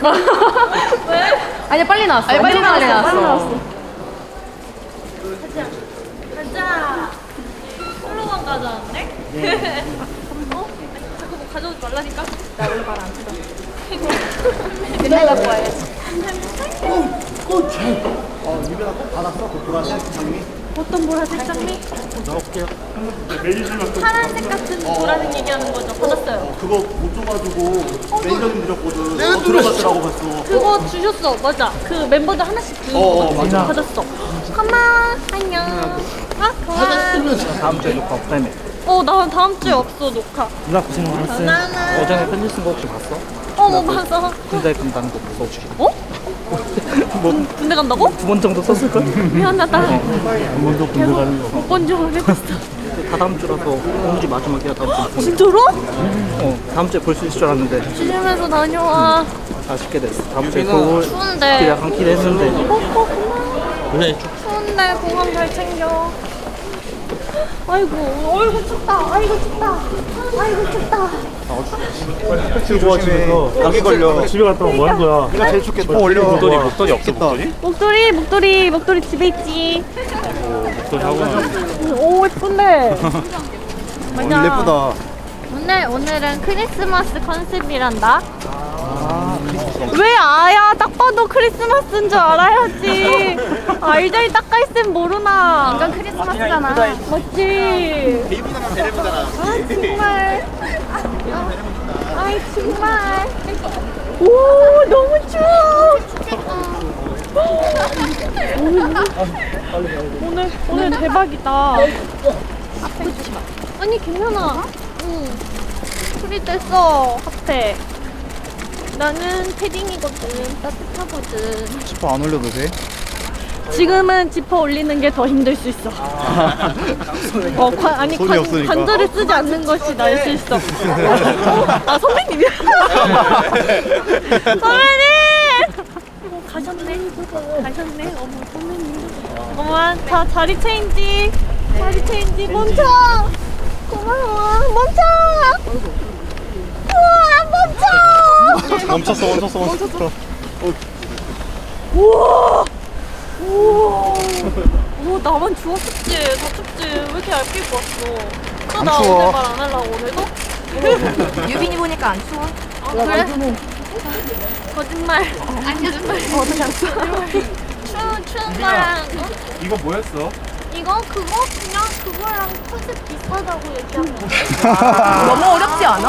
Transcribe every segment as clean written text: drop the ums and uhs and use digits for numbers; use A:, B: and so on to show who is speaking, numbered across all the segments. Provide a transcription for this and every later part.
A: 왜?
B: 아니 빨리 나왔어.
A: 아니, 빨리
B: 엄청
A: 나왔어.
C: 가자. 솔로만 가져왔네? 어? 자꾸 뭐 가져오지 말라니까?
B: 나 오늘 말 안 들어. 맨날 갖고 와야지.
D: 유빈아 꼭 받았어? 그 보라색 장미?
C: 어떤 보라색 장미?
D: 넣을게요.
C: 파란색 같은 보라색 얘기하는 거죠? 받았어요.
D: 그거 못 줘가지고 매니저님 드렸거든. 들어갔더라고 봤어.
C: 그거 주셨어. 맞아. 그 멤버들 하나씩 주는 거
D: 맞아.
C: 받았어. 고마워. 안녕. 아, 고마워.
E: 다음 주에 녹화 없다며.
C: 나 다음 주에 없어, 녹화.
E: 누나 고생 많았어.
C: 나는.
E: 어장에 편지 쓴 거 혹시 봤어?
C: 못 봤어.
E: 군대 간다는 거 무서워 죽겠다.
C: 어? 군대 간다고?
E: 2번 정도 썼을걸?
C: 미안하다.
E: 한 번도 군대 가는 거.
C: 못 본 줄 알았어.
E: 다 다음 주라서 공지 마지막이야 다음 주.
C: 진짜로?
E: 다음 주에 볼 수 있을 줄 알았는데
C: 조심해서 다녀와.
E: 아쉽게 됐어. 다음 주에 서울
C: 추운데.
E: 약간 기대했는데. 그래.
C: 추운데 공항 잘 챙겨. 아이고 춥다. 아이고 춥다. 아이고 춥다.
D: 조심해. 감기 걸려.
E: 집에 갔다 오면 뭐 하는 거야?
D: 내가 제일 춥겠다. 올려.
E: 목도리 없어 목도리?
C: 목도리 집에 있지.
E: 목도리 하고
C: 오 예쁜데.
D: 오늘 예쁘다.
C: 오늘은 크리스마스 컨셉이란다. 왜 아야? 딱 봐도 크리스마스인 줄 알아야지. 알자리 딱가 있으면 모르나.
B: 완전 크리스마스잖아.
C: 맞지?
D: 베이비나만 베레모잖아.
C: 아 정말. 아이 정말. 오 너무 추워. 오늘 대박이다. 아니 괜찮아. 응. 소리 뗐어 핫팩. 나는 패딩이거든. 따뜻하거든.
D: 지퍼 안 올려도 돼?
C: 지금은 지퍼 올리는 게 더 힘들 수 있어. 아니
D: 손이 없으니까.
C: 관절을 쓰지 않는 것이 나을 수 있어. 아 선배님이야. 선배님. 가셨네. 어머 선배님. 잠깐만 자리 체인지. 멈춰. 고마워. 멈춰. 우와 멈춰.
D: 멈췄어.
C: 우와. 오 나만 추웠었지. 다 춥지. 왜 이렇게 얇게 입고 왔어?
D: 안
C: 나
D: 추워.
C: 오늘 말 안 하려고 오늘도?
B: 유빈이 보니까 안 추워?
C: 그래? 거짓말. 아니 거짓말. 어떻게 안 추워? 추운 거랑
E: 이거 뭐였어?
C: 이거 그거 그냥 그거랑 컨셉 비슷하다고 얘기한 거.
B: 너무 어렵지 않아?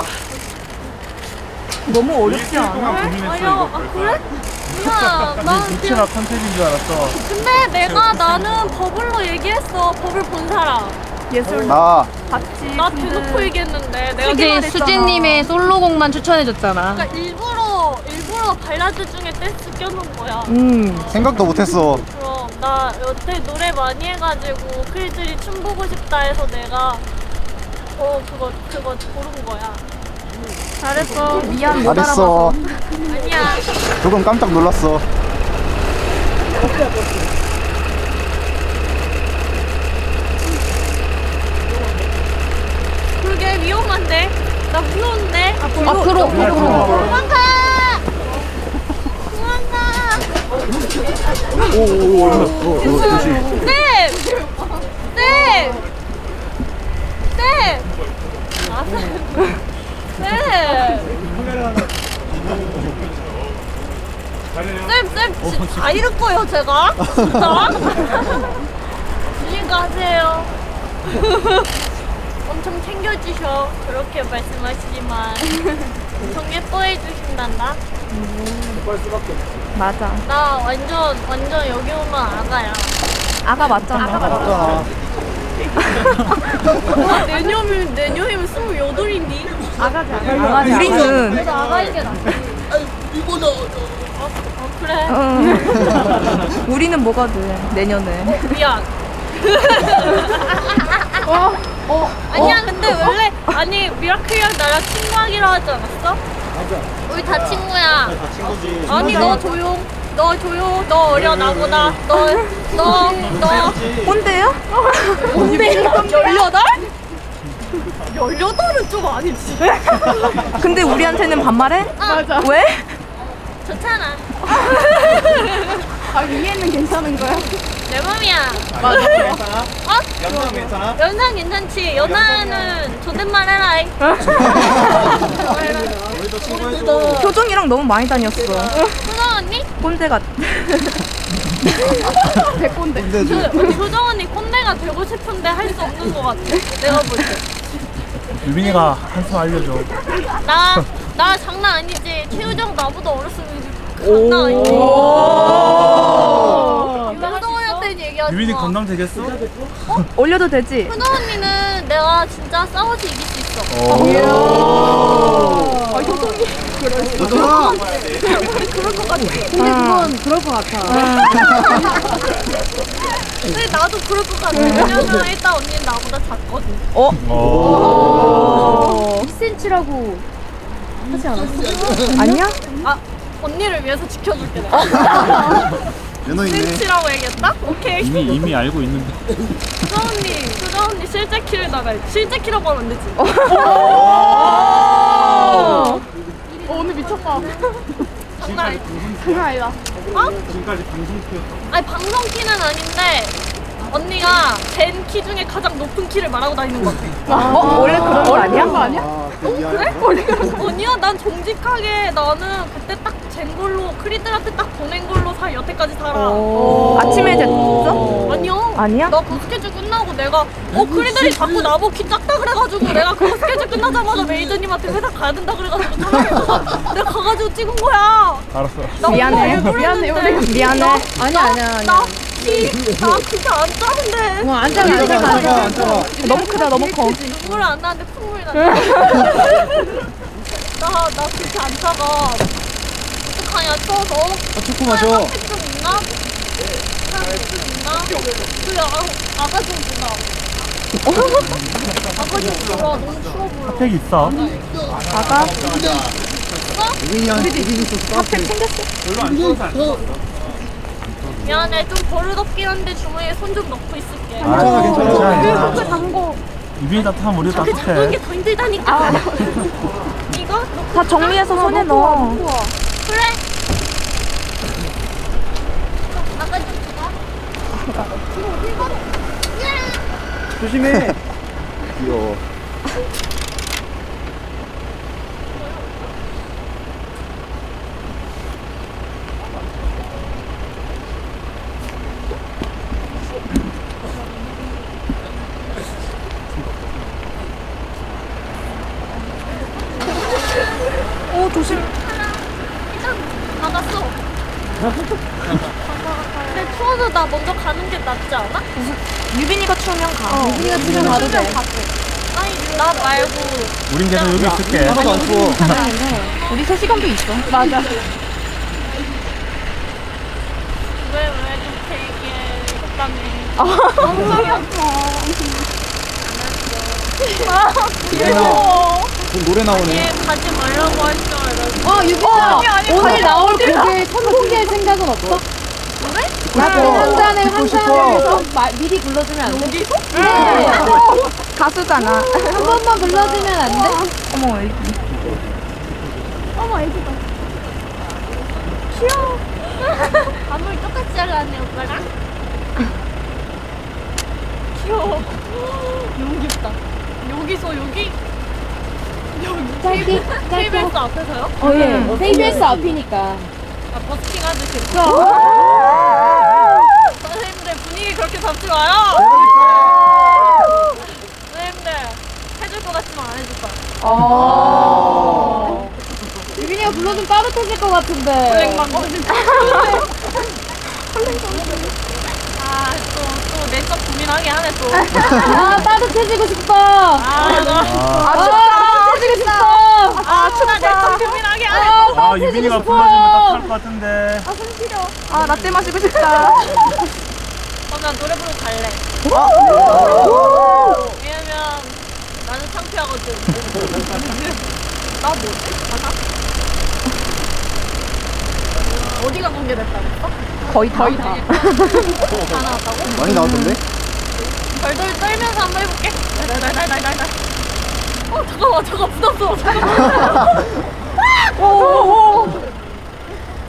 B: 너무 어렵지 않아?
C: 아니야. 그래? 야, 난
E: 유치나 컨셉인 줄 알았어.
C: 근데 나는 버블로 얘기했어. 버블 본 사람.
B: 예술
D: 나
B: 봤지.
C: 나 대놓고 얘기했는데 내가
B: 수진님의 솔로곡만 추천해줬잖아.
C: 그러니까 일부러 발라드 중에 댄스 껴놓은 거야.
D: 생각도 못했어.
C: 그럼 나 여태 노래 많이 해가지고 크리들이 춤 보고 싶다 해서 내가 그거 고른 거야. 잘했어.
B: 미안 못
D: 잘했어.
C: 아니야.
D: 조금 깜짝 놀랐어.
C: 그게 위험한데? 나 무서운데?
B: 앞으로.
C: 도망가! 쌤! 쌤, 다 잃을 거예요, 제가? 진짜? 조심 가세요. 엄청 챙겨주셔. 그렇게 말씀하시지만. 엄청 예뻐해 주신단다.
B: 맞아.
C: 나 완전 여기 오면 아가야.
B: 아가 맞잖아.
D: 맞잖아.
C: 내년이면 28인데?
B: 아가지. 우리는
C: 그래도 아가이게 낫지. 그래.
B: 우리는 뭐가 돼 내년에.
C: 미안. 아니야, 근데 원래, 미라클이랑 나랑 친구하기로 하지 않았어? 맞아. 우리 다 친구야.
D: 다 친구지.
C: 아니, 너 조용. 너 어려, 나보다. 너.
B: 꼰대요?
C: 뭔데? 18? 18은 좀 아니지.
B: 근데 우리한테는 반말해?
C: 맞아.
B: 왜?
C: 좋잖아.
B: 아 위에는 괜찮은 거야?
C: 내 맘이야.
B: 맞아.
D: 괜찮아?
C: 어?
D: 연상 괜찮아?
C: 연상 괜찮지. 연하는 존댓말 해라잉.
D: 우리도 친구해줘.
A: 효정이랑 너무 많이 다녔어.
C: 효정 언니?
A: 꼰대 같.
B: 백꼰대.
D: 근데 지금
C: 효정 언니 꼰대가 되고 싶은데 할 수 없는 것 같아. 내가 볼 때.
E: 유빈이가 한숨 알려줘.
C: 나 장난 아니지. 최효정 나보다 어렸으면 장난 아니지. 효정 언니한테는 얘기하지
E: 유빈이
C: 마.
E: 건강 되겠어?
A: 올려도 되지?
C: 효정 언니는 내가 진짜 싸워서 이길 수 있어.
B: 아 효정이
D: 여정아!
B: 그럴 것 같아. 근데 그건 그럴 것 같아.
C: 근데 나도 그럴 것 같아. 왜냐면 일단 언니는 나보다 작거든.
E: 어.
B: 2cm라고 하지 않았어?
A: 아니야?
C: 아 언니를 위해서 지켜줄게 내가.
D: 연어 있네.
C: 센치라고 얘기했다? 오케이.
E: 이미 알고 있는데.
C: 효정 언니 실제 키를 나갈. 실제 키라고 하면 안 되지.
B: 오늘 미쳤다.
C: 장난 아니지.
B: 장난 아니다.
C: 어?
E: 지금까지 방송 키였어.
C: 아니 방송 키는 아닌데 언니가 젠 키 중에 가장 높은 키를 말하고 다니는 것 같아.
A: 원래 그런 거 아니야?
D: 아, 그 이하야.
C: 아니야 난 정직하게 나는 그때 딱 젠 걸로 크리들한테 딱 보낸 걸로 여태까지 살아.
A: 아침에 됐어?
C: 아니요.
A: 아니야?
C: 나 그 스케줄 끝나고 내가 크리들이 자꾸 나보고 키 작다 그래가지고 내가 그 스케줄 끝나자마자 메이저님한테 회사 가야 된다 그래가지고 전화해서 내가 가가지고 찍은 거야.
E: 알았어.
C: 나
A: 미안해.
C: 미안해.
A: 미안해.
B: 아니야.
C: 나 그게 안 짜는데.
B: 안 잡아.
D: 안 잡아.
A: 너무 크다, 너무 커.
C: 눈물 안 나는데 콧물이 나네. 나 그렇게 안 차가. 어떡하냐, 추워서.
D: 초코 마셔.
C: 핫팩 좀 있나? 핫팩 좀 있나? 그래, 아가 좀 주라. 아가 좀 주라. 너무 추워 보여.
E: 핫팩 있어.
A: 아가?
D: 유빈이 있어서 핫팩
E: 별로 안 추워서 안 추워.
C: 미안해, 좀 버릇없긴 한데 주머니에 손 좀 넣고 있을게.
D: 괜찮아.
C: 그 담고.
E: 유빈이 따뜻하면 우리도
C: 그 잡는 게
E: 따뜻해.
C: 더 힘들다니까. 이거?
A: 다 정리해서 손에 넣어.
C: 그래. 아가 좀 주라.
D: 조심해. 귀여워.
A: 오, 조심.
C: 일단 나갔어. 근데 추워서 나 먼저 가는 게 낫지 않아?
A: 유빈이가 추우면 가.
B: 우리가 집에 가도 돼.
C: 아니 나 말고
E: 우린 계속 여기 있을게.
D: 하나도 안 추워.
A: 우리 3시간도 있어.
B: 맞아.
C: 왜 그렇게 얘기해 이것다며.
B: 엉덩이 아파.
D: 노래 나오네.
C: 얘 가지 말라고 할 줄 알았어.
B: 유빈아. 오늘 나올 곡에 선곡할 생각은 없어?
C: 그래?
B: 한 잔에 한
D: 듣고 싶어.
B: 잔을 해서 미리 불러주면 안 돼?
C: 여기서?
A: 가수잖아.
B: 한 번만 불러주면 안 돼?
A: 어머, 애기.
C: 어머 애기다. 귀여워. 앞머리 똑같이 잘랐네 오빠랑. 귀여워. 너무 귀엽다. 여기서 여기?
B: 짧게,
C: KBS 앞에서요?
B: 예. KBS 앞이니까.
C: 아 버스킹 하듯이. 선생님들 분위기 그렇게 잡지 마요. 선생님들 해줄 것 같지만 안 해줄 거야.
B: 유빈이가 불러주면 따뜻해질 것 같은데.
C: 아또 내적 고민하게 하네 또.
B: 아, 따뜻해지고 싶어. 따뜻해지고 싶어.
C: 춥다. 내적 고민하게 하네.
E: 아, 유빈이가 불러주면 따뜻할 것 같은데.
A: 아, 라떼 마시고 싶다.
C: 나 노래 부르고 갈래. 왜냐면 나는 창피하거든. 나 뭐지? 가사? 어디가 공개됐다고 했어?
A: 거의 다.
C: 다 나왔다고?
D: 많이 나왔던데?
C: 덜덜 떨면서 한번 해볼게. 달달달달달달. 잠깐만 부담스러워. 잠깐만.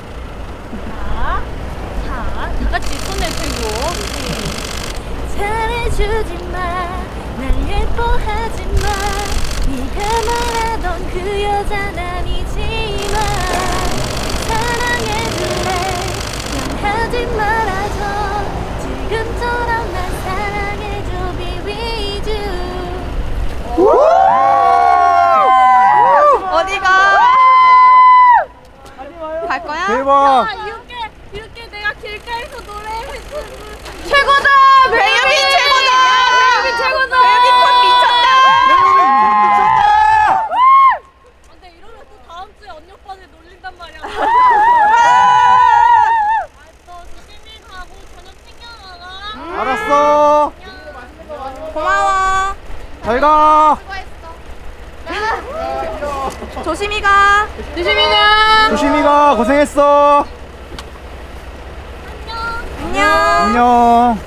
F: 잘 가.
A: 조심히 가.
F: 조심히 가. 고생했어.
A: 안녕.
F: 안녕.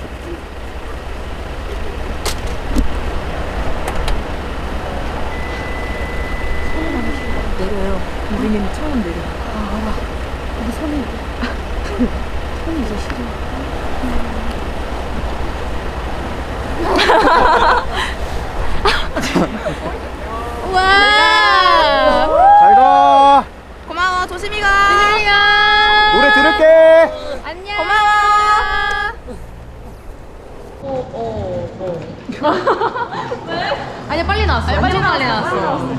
A: 내려요. 우리는 처음 내려. 와.
F: 잘 가.
A: 고마워. 조심히 가.
F: 노래 들을게.
A: 안녕. 고마워. 아니 빨리 나왔어. 엄청 빨리 나왔어.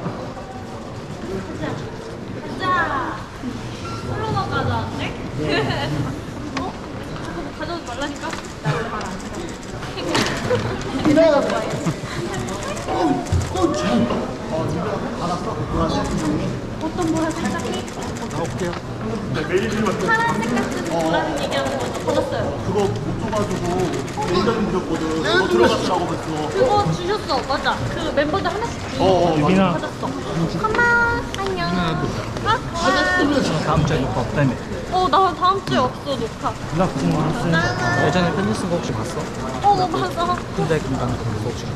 C: 자, 솔로만 가져왔네? 어? 저거 가져오지 말라니까? 나 원래 말안 해. 이래가 봐야지. 어떤 뭐야, 갑자기? 파란색 같은 뭐라는 얘기하는 거 받았어요.
D: 그거 못 줘가지고 매니저님 드렸거든. 그거 들어갔더라고 그랬어.
C: 그거 주셨어, 맞아. 그 멤버들 하나씩
E: 유빈아.
C: 받았어. 고마워, 안녕.
E: 다음 주에 녹화 없다며.
C: 나 다음 주에 없어, 녹화.
E: 예전에 편지 쓴 거 혹시 봤어?
C: 너 봤어?
E: 군대 금방 그거 혹시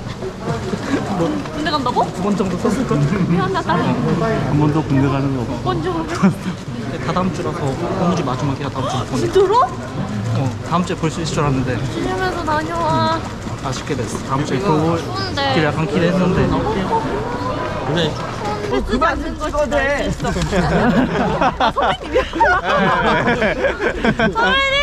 C: 군대 간다고?
E: 두 번 정도 썼을걸?
C: 미안하다.
E: 한 번도 군대 가는 거 없고.
C: 먼저.
E: 다 다음 주라서 공지 마지막이라 다음 주에 못 보내.
C: 들어?
E: 다음 주에 볼 수 있을 줄 알았는데
C: 주면서 다녀와.
E: 아쉽게 됐어. 다음 주에 그
C: 추운데.
E: 길 약간 기대했는데. 그래.
C: 쓰지 않는 것이 나을 수 있어. 선배님!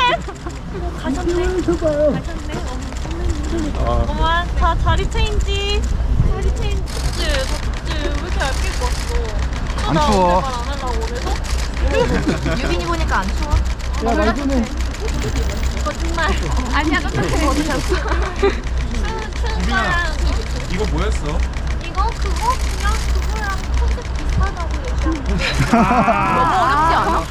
C: 가셨네. 가셨네. 어머, 다 자리 체인지. 자리 체인지. 덥지. 왜 이렇게 얇게 입고 왔어?
F: 안 추워.
C: 말안 하려고 그래서?
A: 유빈이 보니까 안 추워?
C: 거짓말. 아니야, 깜짝이야. 어디셨어? 추운 거랑.
E: 이거 뭐였어?
C: 이거? 그거? 그냥 그거랑 컨셉 비슷하다고 얘기한
A: 너무 어렵지 않아?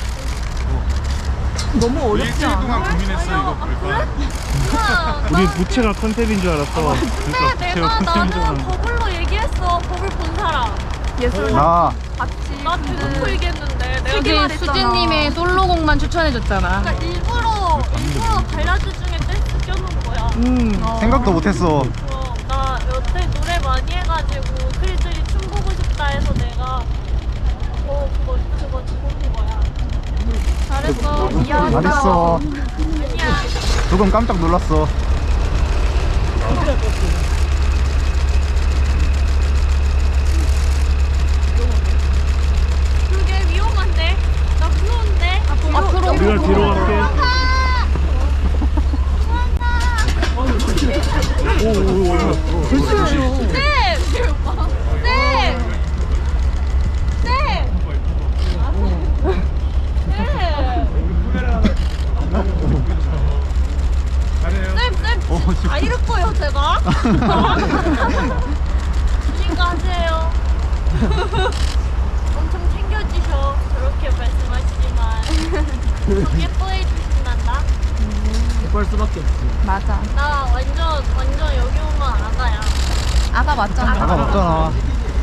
A: 너무 어렵지 않아?
E: 동안 고민했어 이거 볼까? 우리 부채가 컨셉인 줄 알았어.
C: 근데 내가 나는 버블로 얘기했어. 버블 본 사람.
A: 예술
F: 나.
A: 같이.
C: 나 대놓고 얘기했는데 내가
A: 되게
C: 말했잖아.
A: 수진님의
B: 솔로곡만 추천해줬잖아.
C: 그러니까 일부러 발라드 중에 댄스 껴놓은 거야.
F: 생각도 못했어.
C: 나 여태 노래 많이 해가지고 크리들이 춤 보고 싶다 해서 내가 그거 보는 거야. 잘했어. 미안.
F: 잘했어.
C: 아니야.
F: 조금 깜짝 놀랐어.
C: 그게 위험한데? 나 무서운데? 앞으로.
E: 우리가 뒤로 갈게.
C: 쌤! 쌤! 다 잃을 거예요, 제가? 그러니까 하세요. 엄청 챙겨주셔. 저렇게 말씀하시지만. 좀 예뻐해 주신단다.
E: 예뻐할 수밖에 없어.
A: 맞아.
C: 나 완전 여기 오면 아가야.
A: 아가 맞잖아.
F: 아가 없잖아.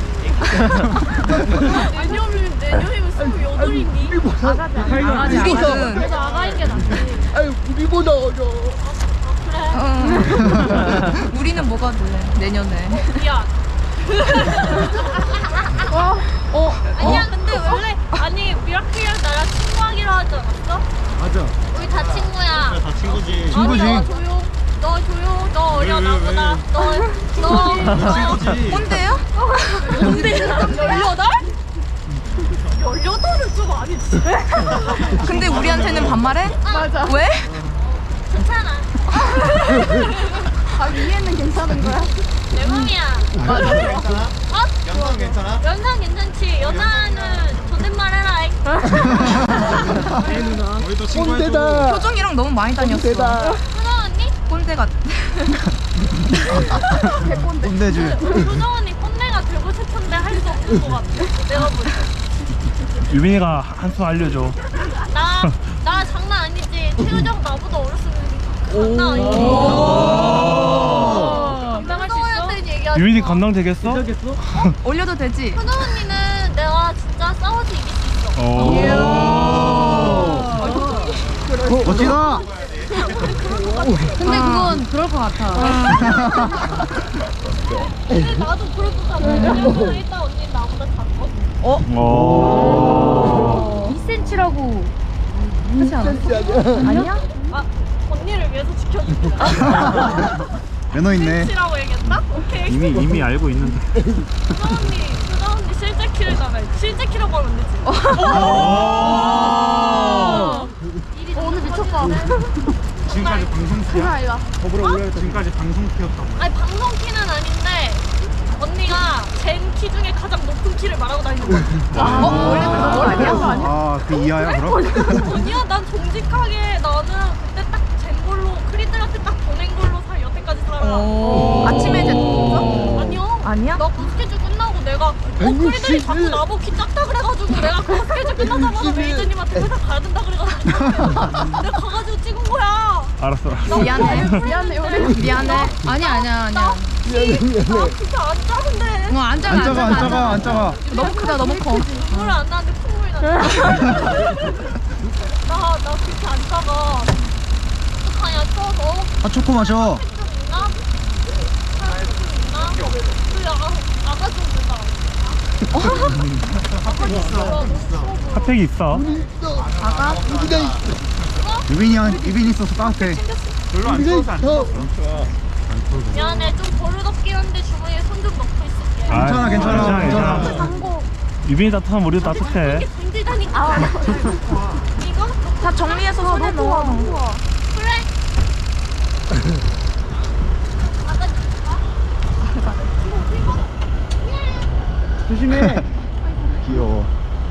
C: 내년이면 28이니?
A: 아가지 아가는.
C: 그래서 아가인 게 낫지.
D: 아유 우리보다 어려.
C: 그래.
A: 우리는 뭐가 될래? 내년에.
C: 미안. 아니야, 근데 원래 미라클이랑 나랑 친구하기로 하지 않았어?
E: 맞아.
C: 우리 다 친구야.
E: 다 친구지.
F: 친구지.
C: 너 조용. 너 어려 나보다. 너
E: 친구지.
A: 꼰대요?
C: 뭔데? 18? 18은 좀 아니지.
A: 근데 우리한테는 반말해?
C: 맞아.
A: 왜?
C: 괜찮아.
A: 위에는 괜찮은 거야?
C: 내 맘이야.
D: 괜찮아?
C: 어?
D: 연상 괜찮아?
C: 연상 괜찮지. 연하는 존댓말 해라.
E: 우리도
D: 꼰대다.
A: 표정이랑 너무 많이 다녔어.
D: 꼰대다.
C: 효정 언니?
A: 꼰대 같.
F: 꼰대줄.
C: 효정 언니 꼰대가 되고 싶은데 할 수 없는 것 같아. 내가 볼 때.
E: 유빈이가 한 수 알려줘.
C: 나 장난 아니지. 태우정 나보다 어렸으면 장난 아니지.
A: 오.
C: 감당할 수 있어?
E: 유빈이 감당 되겠어?
A: 올려도 되지?
C: 현우 언니는 내가 진짜 싸워서 이길 수 있어.
F: 멋지다.
B: 근데 그건 그럴 것 같아.
C: 근데 나도 그럴 것 같아. 왜냐면 일단 언니는 나보다 작고.
E: 오.
B: 2cm라고 하지 않았어? 아니야?
C: 아, 언니를 위해서 지켜줄게.
F: 매너 있네.
C: 실치라고 얘기했다? 오케이.
E: 이미 알고 있는데.
C: 수정 언니 실제 키를 나가. 실제 키라고 하면 되지. 오늘 미쳤다.
E: 지금까지 방송키야? 지금까지 방송키였다고.
C: 아니 방송 키는 아닌데 언니가 젠 키 중에 가장 높은 키를 말하고 다니는 거야.
A: 원래 그런 거 아니야?
F: 아, 그 이하야 그럼?
C: 아니야, 난 정직하게 나는 그때 딱 젠 걸로 크리들한테 딱 보낸 걸로 여태까지 살아.
A: 아침에 이제 떴어?
C: 아니요.
A: 아니야?
C: 나 그 스케줄 끝나고 내가 크리들이 자꾸 나보고 키 작다 그래가지고 내가 그 스케줄 끝나자마자 메이저님한테 회사 가야 된다 그래가지고 내가 가가지고 찍은 거야.
E: 알았어.
A: 미안해. 미안해, 우리. 미안해.
B: 아니야.
C: 나 진짜 안 작은데.
B: 안 작아,
F: 안 작아, 안 작아.
A: 너무 크다, 너무 커.
C: 눈물 안 나는데 콧물이 나네. 나 그렇게 안 작아. 어떡하냐, 쳐서.
F: 핫초코 마셔.
C: 좀 있나? 사람 좀 있나? 그 아가 좀 된다.
E: 핫팩이 있어.
F: 유빈이 있어서 따뜻해.
E: 별로 안 추워서 안 추웠어.
C: 미안해, 좀 버릇없긴 한데 주머니에 손 좀 넣고 있을게.
F: 괜찮아.
E: 유빈이 따뜻하면 우리도 따뜻해.
C: 이게 힘들다니까. 이거?
A: 다 정리해서 손에 넣어.
C: 그래. 아가 줄까?
F: 조심해. 귀여워.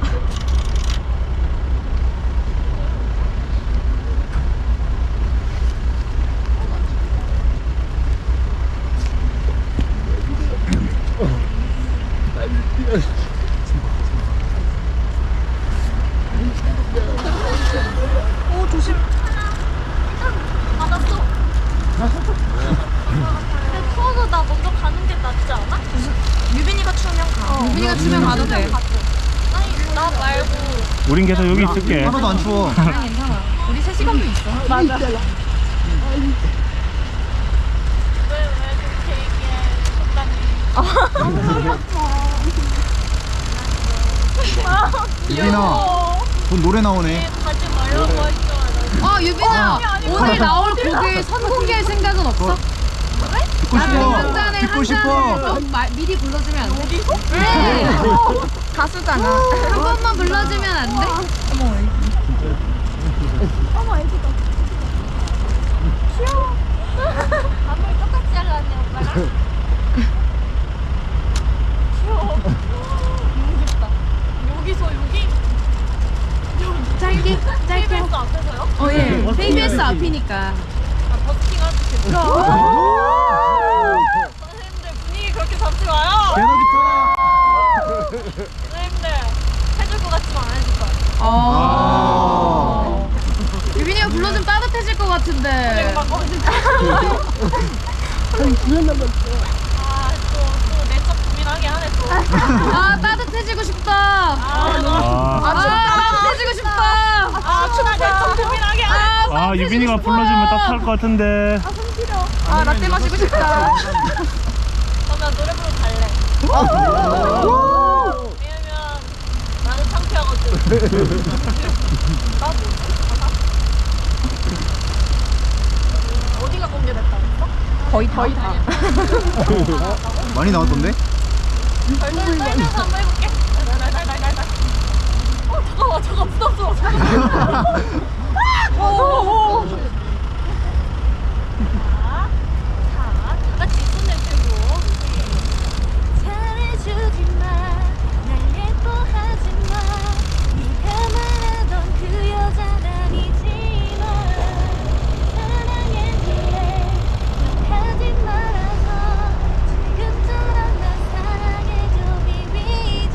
A: 조심.
C: 받았어. 근데 추워서 나 먼저 가는 게 낫지 않아?
A: 유빈이가 추우면 가.
B: 유빈이가 주면 가도 돼.
C: 아니, 나 말고.
E: 우린 계속 여기 있을게.
F: 하나도 안 추워.
A: 우리 3시간도 있어.
C: 왜 그렇게 얘기해?
F: 유빈아, 곧 노래 나오네.
C: 가지 말라고 했잖아.
B: 유빈아, 오늘 나올 곡을 선공개할 생각은 없어?
F: 듣고 싶어.
B: 잔에
F: 듣고
B: 한
F: 싶어.
B: 잔을 미리 불러주면 안 돼? 네.
A: 가수잖아.
B: 한 번만 불러주면 안 돼?
C: 앞머리 똑같이 잘랐네, 오빠랑. 귀여워. 너무 귀엽다. 여기서 여기?
B: 짧게.
C: KBS 앞에서요?
B: 예. KBS 앞이니까.
C: 아, 버스킹 할 수 있어. 선생님들 분위기 그렇게 잡지 마요.
F: 배너 기타.
C: 선생님들 해줄 것 같지만 안 해줄 거야.
B: 유빈이가 불러주면 따뜻해질 것 같은데.
C: 막 또 내적 고민하게 하네 또.
B: 따뜻해지고 싶다. 따뜻해지고 싶다.
C: 춥다. 내적 고민하게 하네.
E: 유빈이가 불러주면 따뜻할 것 같은데.
A: 라떼 마시고 싶다.
C: 그럼 나 노래 부르러 갈래. 왜냐면 나는 창피하거든. 나도 어디가 공개됐다고 했어?
A: 거의 다.
F: 많이 나왔던데?
C: 덜덜 떨면서 한번 해볼게. 달달달달달달. 잠깐만 부담스러워. 자, 다 같이 손을 들고. 잘해주지마, 날 예뻐하지마, 네가 말하던 그 여자는 아니지만 사랑해줄래, 하지 말아서 지금처럼 날 사랑해줘, 비비주.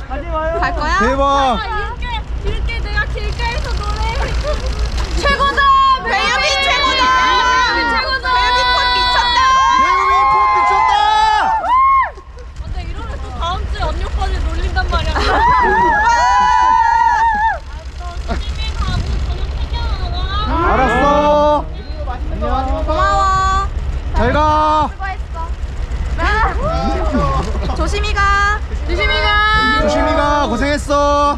A: 갈 거야?
F: 대박.
C: 이렇게 내가 길가에서 노래
B: 최고다.
F: 가.
A: 조심히 가.
F: 조심히 가. 고생했어.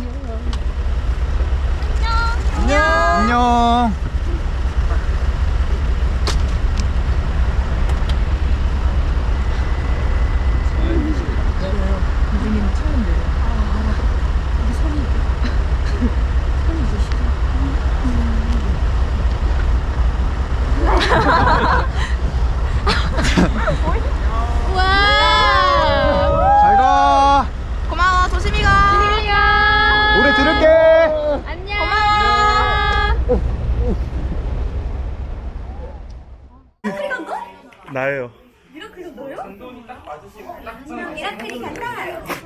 F: 안녕.
C: 와.
F: 잘 가.
A: 고마워. 조심히 가.
F: 노래 들을게.
C: 안녕.
A: 고마워.
E: 나예요.
B: 미라클이 간다.